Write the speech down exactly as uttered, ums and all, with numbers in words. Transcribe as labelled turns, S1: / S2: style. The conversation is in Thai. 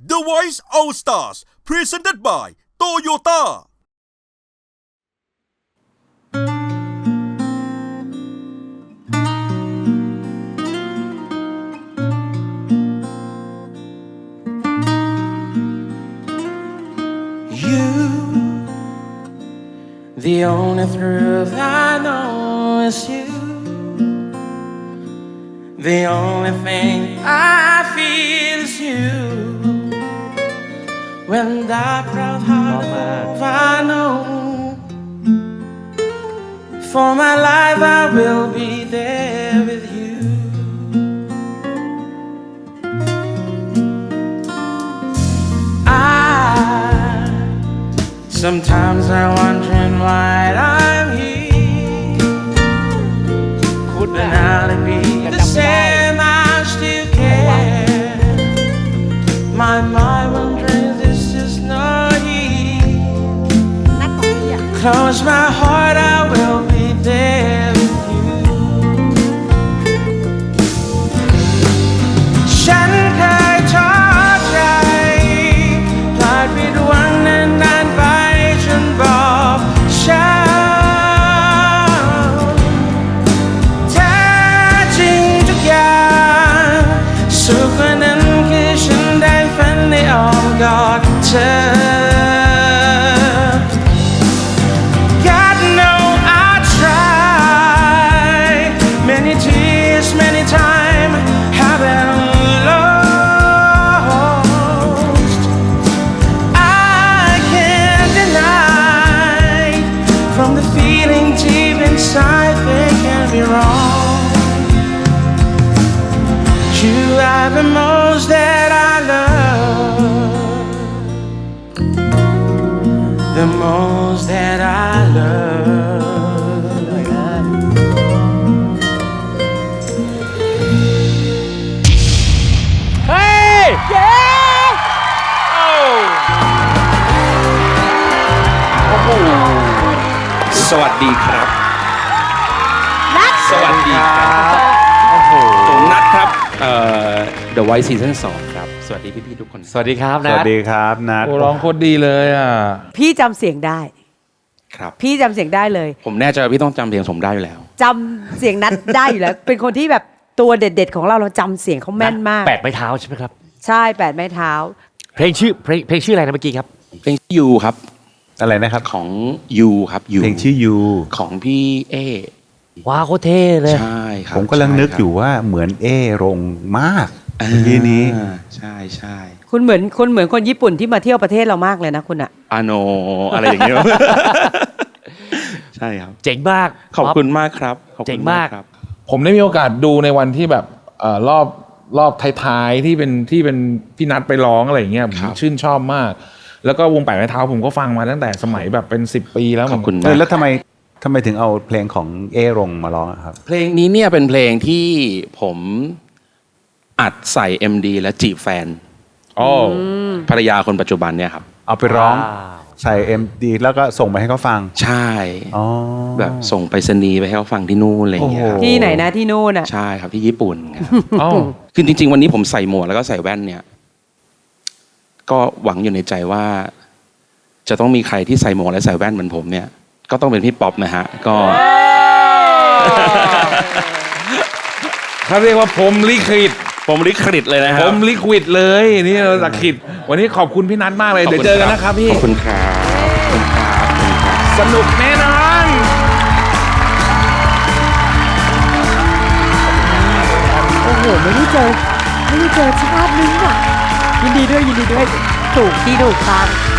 S1: The Voice All Stars Presented by Toyota
S2: The only truth I know is you. The only thing I feel is you. When that proud heart move, I know for my life I will be there with you. I sometimes I'm wondering why I'm here. Could now it be the same? I still care. My mind wondering this is not here. Close my heart, I will be there with you. ฉันเคยท้อใจพลาดผิดหวังนานๆไปจนบอกช้ำแท้จริงทุกอย่างสุขกว่านั้นคือฉันได้ฝันในอ้อมกอดเธอ God know I tried many tears many times have been lost. I can't deny from the feeling deep inside they can be wrong. You are the most that I love, the most that I love.
S3: เฮ้ยเย้โอ้โอ้โหสวัสดีครับนัทสวัสดีครับโอ้โหผมนัทครับเอ่อ The Voice Season สองครับสวัสดีพี่ๆทุกคนสวัสดีครับ
S4: ส
S3: นั
S4: วั
S3: ท
S4: สดีครับนัท
S5: โอ้ร้องโคตรดีเลยอ่ะ
S6: พี่จำเสียงได้
S3: ครับ
S6: พี่จำเสียงได้เลย
S3: ผมแน่ใจว่าพี่ต้องจำเสียงผมได้อยู่แล้ว
S6: จำเสียงนัดได้อยู่แล้ว เป็นคนที่แบบตัวเด็ดๆของเราเราจำเสียงเขาแม่นมาก
S7: แปดไม้เท้าใช่ไหมครับ
S6: ใช่แปดไม้เท้า
S7: เพลงชื่อเพลงเพลงชื่ออะไรนะเมื่อกี้ครับ
S3: เพลงชื่อยูครับ
S4: อะไรนะครับ
S3: ของยูครับยู
S4: เพลงชื่อยู
S3: ของพี่เอ
S7: ว้าวโคตรเท่เลย
S3: ใช่ครับ
S4: ผมกำลังนึกอยู่ว่าเหมือนเอรงมากเมื่อกี้นี้
S3: อ่าใช่ใช่
S6: คุณเหมือนคุณเหมือนคนญี่ปุ่นที่มาเที่ยวประเทศเรามากเลยนะคุณอะ
S3: อาโนอะไรอย่างเงี้ย ใช่ครับ
S7: เจ๋งมาก
S3: ขอบคุณมากครับขอบคุณ
S7: เจ๋งมาก
S3: ครับ
S5: ผมได้มีโอกาสดูในวันที่แบบเอ่อรอบรอบท้ายๆที่เป็นที่เป็นพี่นัทไปร้องอะไรอย่างเงี้ยผมชื่นชอบมาก แล้วก็วงแปดไม้เท้าผมก็ฟังมาตั้งแต่สมัยแบบเป็นสิบปีแล้ว
S3: ขอบคุณ
S4: เออแล้วทำไมทำไมถึงเอาเพลงของเอรงมาร้องอะครับ
S3: เพลงนี้เนี่ยเป็นเพลงที่ผมอัดใส่ เอ็ม ดี และจีบแฟน
S5: โอ้
S3: ภรรยาคนปัจจุบันเนี่ยครับ
S4: เอาไปร้อง
S7: ว้าว
S4: ใส่เอ็มดีแล้วก็ส่งไปให้เขาฟัง
S3: ใช่
S4: อ๋อ
S3: แบบส่งไปรษณีย์ไปให้เขาฟังที่นู่นอะไรอย่างเงี้ยครับ
S4: โอ้โห
S6: ที่ไหนนะที่นู่นอะ
S3: ใช่ครับที่ญี่ปุ่นครับ
S5: อ๋อ
S3: คือจริง ๆ วันนี้ผมใส่หมวกแล้วก็ใส่แว่นเนี่ย ก็หวังอยู่ในใจว่า จะต้องมีใครที่ใส่หมวกและใส่แว่นเหมือนผมเนี่ย ก็ต้องเป็นพี่ป๊อปนะฮะ ก็
S5: เขาเรียกว่าผมลิขิต
S3: ผมลิขิตเลยนะค
S5: ผ
S3: รับ
S5: มลิควิดเลยนี่เราลิขิตวันนี้ขอบคุณพี่นัทมากเลยเดี๋ยวเจอกันนะครับพี่
S3: ขอบคุณครับขอบคุณครับขอบคุณครับ
S5: สนุกแน่นอน
S6: โอ้โหไม่ได้เจอไม่ได้เจอชาตินึงอะยินดีด้วยยินดีด้วยถูกที่ถูกทาง